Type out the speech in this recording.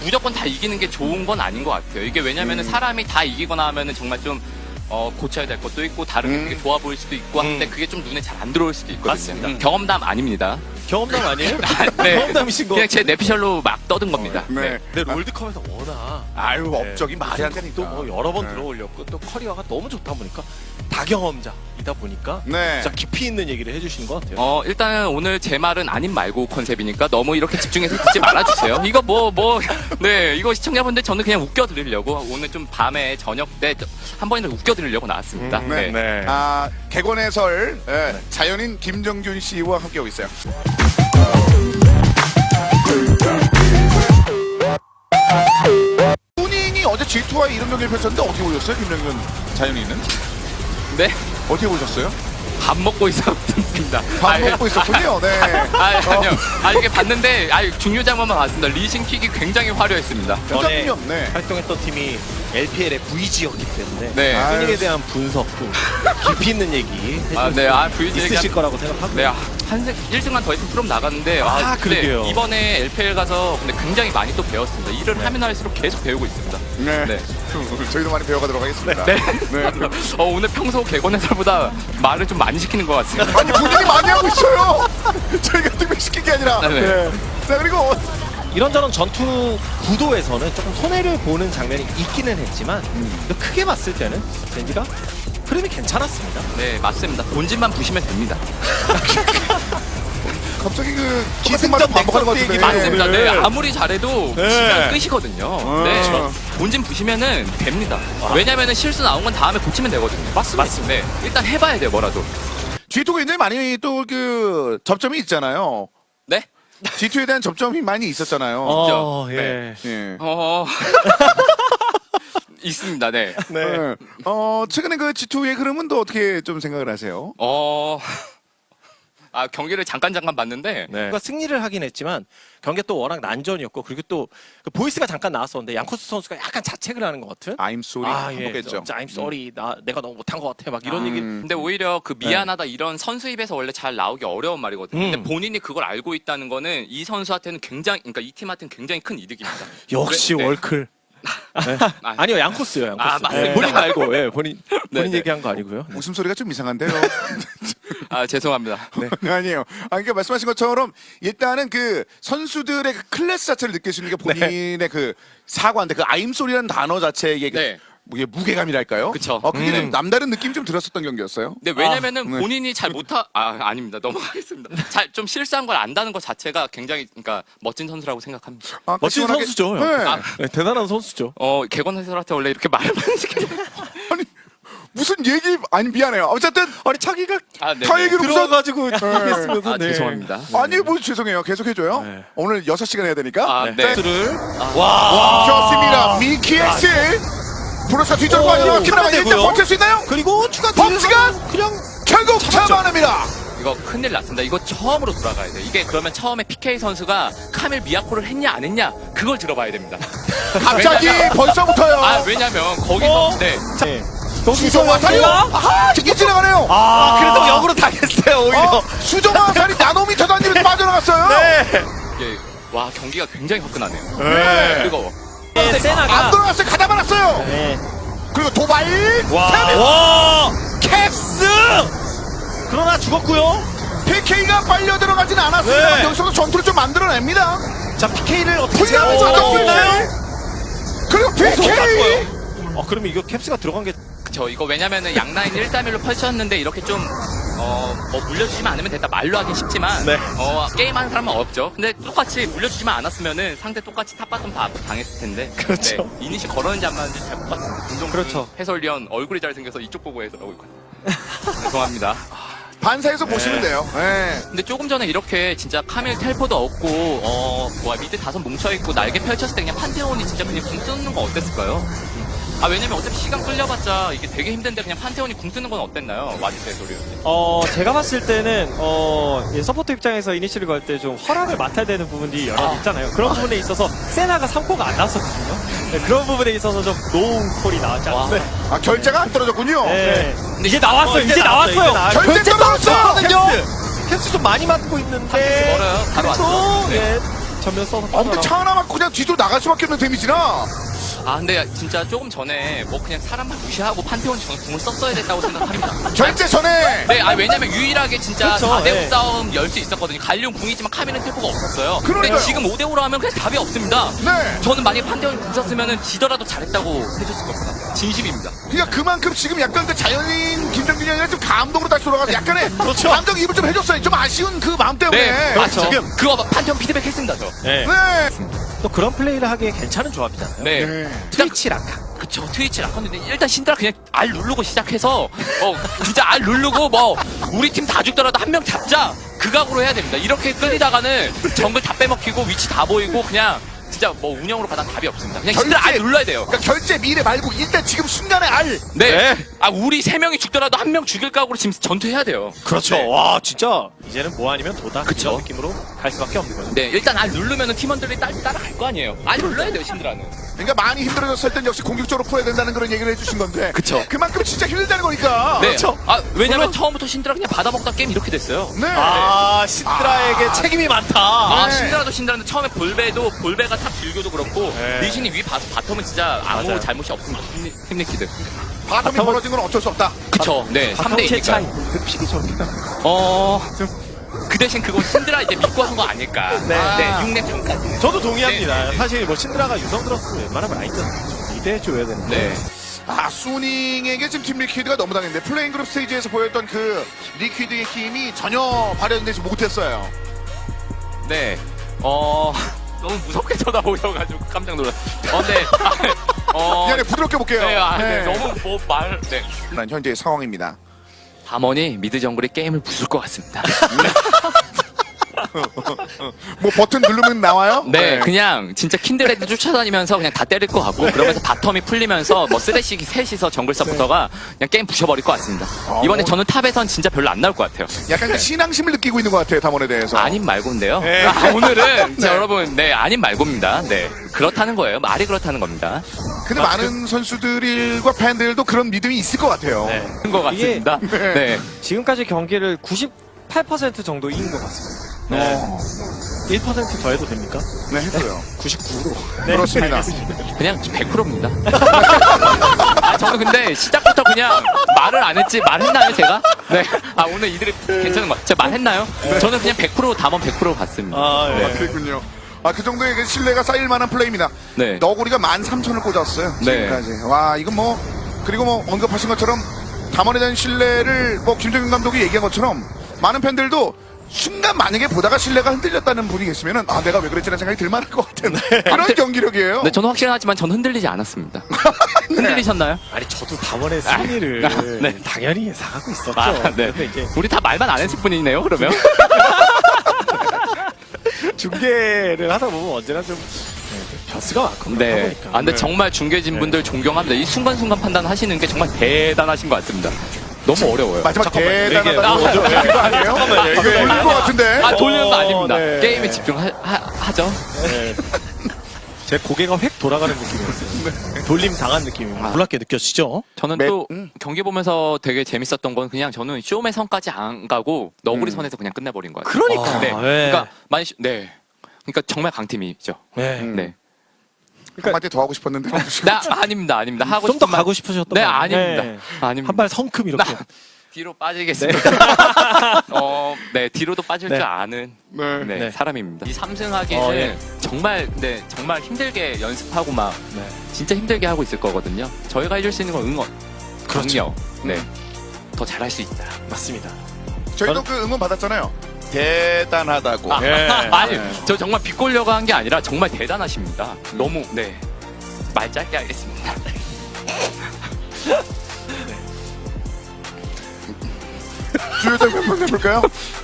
무조건 다 이기는 게 좋은 건 아닌 것 같아요. 이게 왜냐면은 사람이 다 이기거나 하면은 정말 좀 고쳐야 될 것도 있고 다른 게 되게 좋아 보일 수도 있고 한데 그게 좀 눈에 잘 안 들어올 수도 있거든요. 맞습니다. 경험담 아닙니다. 경험담 아니에요? 네. 경험담이신 거. 그냥 제 내피셜로 막 떠든 겁니다. 네. 근데 롤드컵에서 워낙 아유, 업적이 말이 안 되니까. 또뭐 여러 번 네. 들어올렸고 또 커리어가 너무 좋다 보니까 다경험자이다 보니까 네. 진짜 깊이 있는 얘기를 해주시는 것 같아요. 일단은 오늘 제 말은 아닌 말고 컨셉이니까 너무 이렇게 집중해서 듣지 말아주세요. 이거 네, 이거 시청자분들 저는 그냥 웃겨드리려고 오늘 좀 밤에 저녁 때 한 번이라도 웃겨드리려고 나왔습니다. 네. 네. 아, 개건 해설 자연인 김정균 씨와 함께하고 있어요. 후닝이 어제 G2와의 이런 경기를 펼쳤는데 어떻게 보셨어요? 김정균 자연인은? 네, 어떻게 보셨어요? 밥 먹고 있었습니다. 밥 먹고 있었군요. 네. 아니요. 이게 봤는데, 중요 장면만 봤습니다. 리신킥이 굉장히 화려했습니다. 전에 표정이 없네. 활동했던 팀이 LPL의 V지였기 때문에 네. 후닝에 대한 분석도 깊이 있는 얘기 있으실 거라고 생각하고 네, 1승만 더 했으면 프롬 나갔는데, 근데 그러게요. 이번에 LPL 가서 근데 굉장히 많이 또 배웠습니다. 일을 하면 할수록 계속 배우고 있습니다. 네. 네. 저희도 많이 배워가도록 하겠습니다. 네. 네. 오늘 평소 개건 해설보다 말을 좀 많이 시키는 것 같습니다. 아니, 본인이 많이 하고 있어요. 저희가 특별시킨 게 아니라. 네. 네. 자, 그리고 이런저런 전투 구도에서는 조금 손해를 보는 장면이 있기는 했지만 크게 봤을 때는 젠지가 흐름이 괜찮았습니다. 네, 맞습니다. 본진만 부시면 됩니다. 갑자기 그 기승전 반복하는 것 넥서스 같은데. 얘기 맞습니다. 네. 네, 아무리 잘해도 네. 부시면 끝이거든요. 네, 그렇죠. 본진 부시면은 됩니다. 왜냐면은 실수 나온 건 다음에 고치면 되거든요. 맞습니다. 네, 일단 해봐야 돼요, 뭐라도. G2가 굉장히 많이 또 그 접점이 있잖아요. 네? G2에 대한 접점이 많이 있었잖아요. 예. 예. 있습니다. 네. 네. 네. 최근에 그 G2의 흐름은 또 어떻게 좀 생각을 하세요? 경기를 잠깐 봤는데, 네. 그러니까 승리를 하긴 했지만 경기가 또 워낙 난전이었고 그리고 또 그 보이스가 잠깐 나왔었는데 양코스 선수가 약간 자책을 하는 것 같은 I'm sorry 반복했죠. 진짜 I'm sorry 내가 너무 못한 것 같아 막 이런 얘기 근데 오히려 그 미안하다 이런 선수 입에서 원래 잘 나오기 어려운 말이거든요. 근데 본인이 그걸 알고 있다는 거는 이 선수한테는 그러니까 이 팀한테는 굉장히 큰 이득입니다. 역시 네. 월클 아니요 양코스요 양코스 맞습니다. 본인 말고 본인 네. 얘기한 거 아니고요. 웃음소리가 좀 이상한데요. 죄송합니다. 아니에요. 그러니까 말씀하신 것처럼 일단은 그 선수들의 그 클래스 자체를 느낄 수 있는 게 본인의 그 사과인데 그 I'm sorry라는 단어 자체의 네. 이게 무게감이랄까요? 그쵸. 그게 좀 남다른 느낌이 좀 들었었던 경기였어요. 근데 왜냐면은 네. 본인이 잘 아닙니다. 넘어가겠습니다. 좀 실수한 걸 안다는 것 자체가 굉장히 그러니까 멋진 선수라고 생각합니다. 멋진 시원하게- 선수죠. 네. 네, 대단한 선수죠. 개건 해설한테 원래 이렇게 말을 많이 시키는 아니 무슨 얘기 아니 미안해요. 어쨌든 아니 차기가 네. 타 얘기를 무슨 들어가지고 하겠으면서 죄송합니다. 아니 뭐 죄송해요. 계속 해줘요. 네. 오늘 6시간 해야 되니까. 네. 를 좋습니다. 미키엑스 브로사 뒤쪽으로 빠지고 키나가 일단 되고요. 버틸 수 있나요? 그리고 추가 범수가 그냥 결국 잡았죠. 잡아냅니다. 이거 큰일 났습니다. 이거 처음으로 돌아가야 돼. 이게 그러면 처음에 PK 선수가 카밀 미야코를 했냐 안 했냐 그걸 들어봐야 됩니다. 갑자기 벌써부터요. 왜냐면 거기서 네. 수정 화살이요. 이게 지나가네요. 그래도 역으로 당했어요 오히려. 수정 화살이 나노미터 단위로 빠져나갔어요. 이게 경기가 굉장히 화끈하네요. 네. 그리고 안 세나가 들어갔어요. 가다 말았어요. 그리고 도발. 와 캡스 그러나 죽었고요. PK가 빨려 들어가진 않았습니다. 네. 여기서도 전투를 좀 만들어냅니다. 자 PK를 어떻게 훈련을 제압할 수 있나요? 그리고 PK. 그러면 이거 캡스가 들어간 게 이거 왜냐면은 양라인 1대1로 펼쳤는데 이렇게 좀 물려주지만 않으면 됐다 말로 하긴 쉽지만 네. 게임하는 사람은 없죠. 근데 똑같이 물려주지만 않았으면은 상대 똑같이 탑바텀 다 당했을 텐데 그렇죠. 네, 이니시 걸었는지 안 맞는지 잘 못 봤습니다. 김동준 그렇죠. 해설위원 얼굴이 잘생겨서 이쪽 보고 해설하고 있거든요. 죄송합니다. 반사해서 보시면 돼요. 네. 근데 조금 전에 이렇게 진짜 카밀 텔포도 없고 미드 다섯 뭉쳐있고 날개 펼쳤을 때 그냥 판테온이 진짜 그냥 궁 쓰는 거 어땠을까요? 왜냐면 어차피 시간 끌려봤자 이게 되게 힘든데 그냥 판테온이 궁 쓰는 건 어땠나요? 와주세요 소리. 제가 봤을 때는 서포터 입장에서 이니시를 걸 때 좀 허락을 맡아야 되는 부분이 여러 있잖아요. 그런 부분에 있어서 세나가 3코가 안 나왔었거든요. 네, 그런 부분에 있어서 좀 노운 콜이 나왔지 않습니까? 결제가 안 떨어졌군요. 네. 근데 이제 나왔어요. 이제 나왔어요. 결제 떨어졌어요. 캡스 좀 많이 맞고 있는데 멀어요. 바로 왔죠. 네. 전면 써서 아 근데 차 하나 맞고 그냥 뒤로 나갈 수밖에 없는 데미지나. 아 근데 진짜 조금 전에 뭐 그냥 사람만 무시하고 판테온이 저는 궁을 썼어야 됐다고 생각합니다. 절제 전에. 네, 아 왜냐면 유일하게 진짜 그쵸, 4대5 예. 싸움 열 수 있었거든요. 갈리온 궁이지만 카밀은 텔포가 없었어요. 그러니까요. 근데 지금 5대5로 하면 그냥 답이 없습니다. 네. 저는 만약에 판테온이 궁 썼으면 지더라도 잘했다고 해줬을 겁니다. 진심입니다. 그러니까 그만큼 지금 약간 그 자연인 김정균이 아니라 좀 감동으로 다시 돌아가서 약간의 감정 이입을 좀 해줬어요. 좀 아쉬운 그 마음 때문에. 네, 맞죠. 지금. 그거 판테온 피드백 했습니다, 저. 네. 네. 또 그런 플레이를 하기에 괜찮은 조합이잖아요. 네. 트위치 라카. 그쵸, 트위치 라컨인데 일단 신드라 그냥 알 누르고 시작해서 진짜 알 누르고 뭐 우리 팀 다 죽더라도 한 명 잡자 그 각오로 해야 됩니다. 이렇게 끌리다가는 정글 다 빼먹히고 위치 다 보이고 그냥 진짜 뭐 운영으로 가다 답이 없습니다. 그냥 신드라 알 눌러야 돼요. 그러니까 결제 미래 말고 일단 지금 순간에 알. 네. 아 우리 세 명이 죽더라도 한 명 죽일 각오로 지금 전투해야 돼요. 그렇죠. 네. 와 진짜 이제는 뭐 아니면 도다. 그쵸. 이런 느낌으로 갈 수밖에 없는 거죠. 네, 일단 알 누르면은 팀원들이 따라갈 거 아니에요. 알 눌러야 돼요, 신드라는. 그러니까 많이 힘들어졌을 땐 역시 공격적으로 풀어야 된다는 그런 얘기를 해주신 건데. 그쵸. 그만큼 진짜 힘들다는 거니까. 네. 그렇죠. 아 왜냐면 처음부터 신드라 그냥 받아먹다 게임 이렇게 됐어요. 네. 아 신드라에게 책임이 많다. 아, 네. 신드라인데 처음에 볼베가 탑 딜교도 그렇고 네. 리신이 위 봐서 바텀은 진짜 아무 맞아요. 잘못이 없습니다. 힘내키드. 바텀이 벌어진 건 어쩔 수 없다. 그쵸. 네, 3대 2니까. 급식이 저렇게 그 대신 그거 신드라 이제 믿고 한 거 아닐까. 네. 네, 6렙 전까지. 저도 동의합니다. 네, 네. 사실 뭐 신드라가 유성 들었으면 웬만하면 아이템 리드해줘야 되는데. 네. 아, 수닝에게 지금 팀 리퀴드가 너무 당했는데 플레잉 그룹 스테이지에서 보였던 그 리퀴드의 힘이 전혀 발현되지 못했어요. 네. 너무 무섭게 쳐다보셔가지고 깜짝 놀랐어요. 네. 미안해, 부드럽게 볼게요. 네, 네. 너무 네. 난 현재의 상황입니다. 담원이 미드 정글이 게임을 부술 것 같습니다. 뭐 버튼 누르면 나와요? 네, 그냥 진짜 킨드레드 쫓아다니면서 그냥 다 때릴 것 같고 그러면서 바텀이 풀리면서 뭐 쓰레쉬 셋이서 정글 서부터가 그냥 게임 부셔버릴 것 같습니다. 이번에 저는 탑에선 진짜 별로 안 나올 것 같아요. 약간 그 신앙심을 느끼고 있는 것 같아요, 담원에 대해서. 아님 말고인데요. 네. 오늘은 진짜 여러분, 네, 아님 말고입니다. 네, 그렇다는 거예요. 말이 그렇다는 겁니다. 근데 많은 선수들과 팬들도 그런 믿음이 있을 것 같아요. 네. 그런 것 같습니다. 네. 지금까지 경기를 98% 정도 이긴 것 같습니다. 네. 1% 더 해도 됩니까? 네, 했어요. 99로. 그렇습니다. 그냥 100%입니다. 아, 저는 근데 시작부터 그냥 말을 안 했지, 말했나요, 제가? 네. 아, 오늘 이들이 괜찮은 것 같아요. 제가 말했나요? 저는 그냥 100% 담원 100% 갔습니다. 아, 예. 아, 그랬군요. 아, 그 정도의 그 신뢰가 쌓일 만한 플레이입니다. 네. 너구리가 13,000을 꽂았어요. 네. 지금까지. 와, 이건 뭐, 그리고 뭐, 언급하신 것처럼, 담원에 대한 신뢰를, 뭐, 김정인 감독이 얘기한 것처럼, 많은 팬들도 순간 만약에 보다가 신뢰가 흔들렸다는 분이 계시면은, 아, 내가 왜 그랬지라는 생각이 들 만할 것 같은 그런 경기력이에요. 네, 저는 확실하지만 전 흔들리지 않았습니다. 흔들리셨나요? 아니 저도 담원의 승리를 네. 당연히 예상하고 있었죠. 아, 네. 근데 이제 우리 다 말만 안 했을 뿐이네요, 그러면? 중계를 하다 보면 언제나 좀 변수가 많고 그러다 네. 보니까. 아, 근데 정말 중계진 분들 존경합니다. 이 순간순간 판단하시는 게 정말 대단하신 것 같습니다. 너무 어려워요. 마지막 얘기해요. 대단하다고. 아, 그거 아니에요? 잠깐만요. 이거 돌린 것 같은데? 아, 돌리는 거 아닙니다. 네. 게임에 집중하죠. 네. 제 고개가 획 돌아가는 느낌이었어요. 돌림 당한 느낌입니다. 놀랍게 느껴지죠? 저는 매- 또 경기 보면서 되게 재밌었던 건 그냥 저는 쇼메 선까지 안 가고 너구리 선에서 그냥 끝내버린 것 같아요. 그러니까. 네. 네. 그러니까 많이 네. 그러니까 정말 강팀이죠. 네. 네. 한마디 더 하고 싶었는데. 아닙니다. 하고 좀 더 싶은 가고 싶으셨던 네, 거 아닙니다. 네. 아닙니다. 한 발 성큼 이렇게. 뒤로 빠지겠습니다. 네, 뒤로도 빠질 네. 줄 아는 네. 네, 네. 사람입니다. 이 3승하기는 예. 정말 힘들게 연습하고 막 네. 진짜 힘들게 하고 있을 거거든요. 저희가 해줄 수 있는 건 응원, 그렇죠. 격려. 네, 더 잘할 수 있다. 맞습니다. 저희도 그 응원 받았잖아요. 대단하다고. 네. 아니, 저 정말 비꼬려고 한 게 아니라 정말 대단하십니다. 너무 말 짧게 하겠습니다. 주요 장면 한번 해볼까요?